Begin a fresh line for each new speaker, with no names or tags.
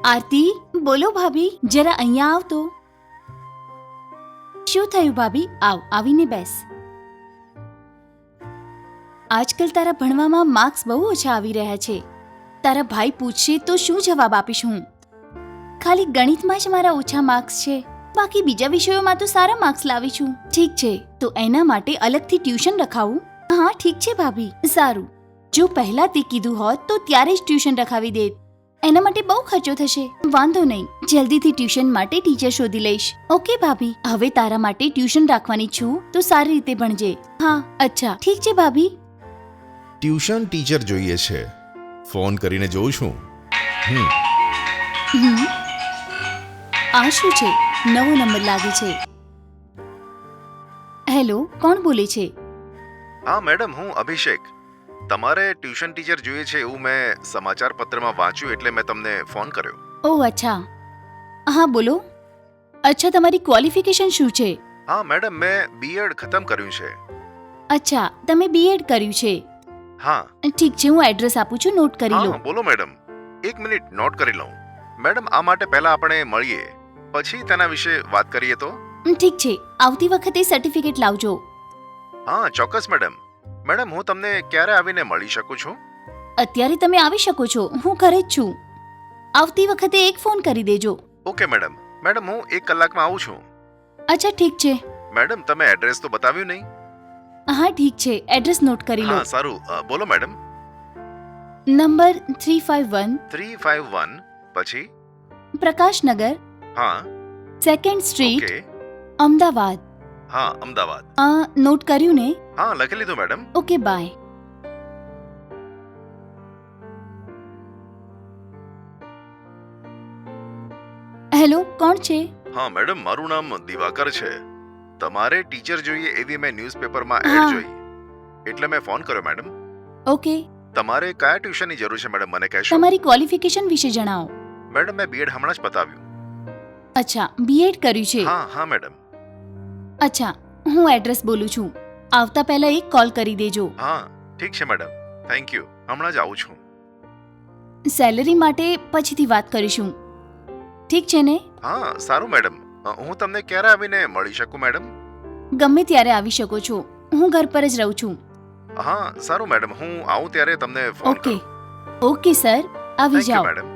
આરતી, બોલો ભાભી, જરા અહીંયા આવ તો. શું થયું ભાભી? આવ, આવીને બેસ. આજકાલ તારા ભણવામાં માર્ક્સ બહુ ઓછા આવી રહ્યા છે. તારા ભાઈ પૂછશે તો શું જવાબ આપીશ હું? ખાલી ગણિતમાં જ મારા ઓછા માર્ક્સ છે, બાકી બીજા વિષયોમાં તો સારા માર્ક્સ લાવી છું. ઠીક છે, તો એના માટે અલગથી ટ્યુશન રખાવું? હા ઠીક છે ભાભી. સારું, જો પહેલા તે કીધું હોત તો ત્યારે જ ટ્યુશન રખાવી દેત. એના માટે બહુ ખર્ચો થશે. વાંધો નહીં, જલ્દીથી ટ્યુશન માટે ટીચર શોધી લઈશ. ઓકે ભાભી, હવે તારા માટે ટ્યુશન રાખવાની છું તો સારી રીતે ભણજે. હા અચ્છા, ઠીક છે ભાભી.
ટ્યુશન ટીચર જોઈએ છે. ફોન કરીને જોઉં છું.
આ શું છે? નવો નંબર લાગે છે. હેલો, કોણ બોલે છે?
હા મેડમ, હું અભિષેક. તમારે ટ્યુશન ટીચર જોઈએ છે એવું મેં સમાચાર પત્રમાં વાંચ્યું એટલે મેં તમને ફોન કર્યો.
ઓહ અચ્છા, હા બોલો. અચ્છા, તમારી ક્વોલિફિકેશન શું છે?
હા મેડમ, મેં બીએડ ખતમ કર્યું છે.
અચ્છા, તમે બીએડ કર્યું છે.
હા.
ઠીક છે, હું એડ્રેસ આપું છું, નોટ કરી લો.
હા બોલો મેડમ. એક મિનિટ નોટ કરી લઉં. મેડમ, આ માટે પહેલા આપણે મળીએ, પછી તેના વિશે વાત કરીએ તો.
ઠીક છે, આવતી વખતે સર્ટિફિકેટ લાવજો.
હા ચોક્કસ મેડમ. મેડમ, હું તમને ક્યારે આવીને મળી શકું છું?
અત્યારે તમે આવી શકો છો, હું ઘરે જ છું. આવતી વખતે એક ફોન કરી દેજો.
Okay madam. મેડમ, હું 1 કલાકમાં આવું છું.
અચ્છા ઠીક છે.
મેડમ, તમે એડ્રેસ તો બતાવ્યું નહીં.
હા ઠીક છે, એડ્રેસ નોટ કરી લો.
હા સારું, બોલો મેડમ.
નંબર 351
351 પછી?
પ્રકાશનગર,
હા.
2nd street,
okay.
અમદાવાદ.
હા, અમદાવાદ.
નોટ કર્યું ને?
હા, લખી લીધું મેડમ.
Okay bye. હેલો, કોણ છે?
હા મેડમ, મારું નામ દિવાકર છે. તમારે ટીચર જોઈએ એવી મેં ન્યૂઝપેપરમાં
હા.
એડ જોઈ, એટલે મેં ફોન કર્યો મેડમ.
ઓકે,
તમારે કયા ટ્યુશનની જરૂર છે મેડમ, મને કહેશો?
તમારી ક્વોલિફિકેશન વિશે જણાવો.
મેડમ, મેં બીએડ હમણાં જ પતાવ્યું.
અચ્છા, બીએડ કર્યું છે.
હા હા મેડમ.
અચ્છા, હું એડ્રેસ બોલું છું, આવતા પહેલા એક કોલ કરી દેજો.
હા ઠીક છે મેડમ, થેન્ક યુ. હમણાં જ આવું છું.
સેલરી માટે પછીથી વાત કરીશું, ઠીક છે ને?
હા સારું મેડમ. હું તમને ક્યારે આવીને મળી શકું મેડમ?
ગમે ત્યારે આવી શકો છો, હું ઘર પર જ રહું છું.
હા સારું મેડમ, હું આવું ત્યારે તમને ફોન
ઓકે
કરું.
ઓકે સર, આવી
થેન્ક યુ
જાઓ.
મેડમ.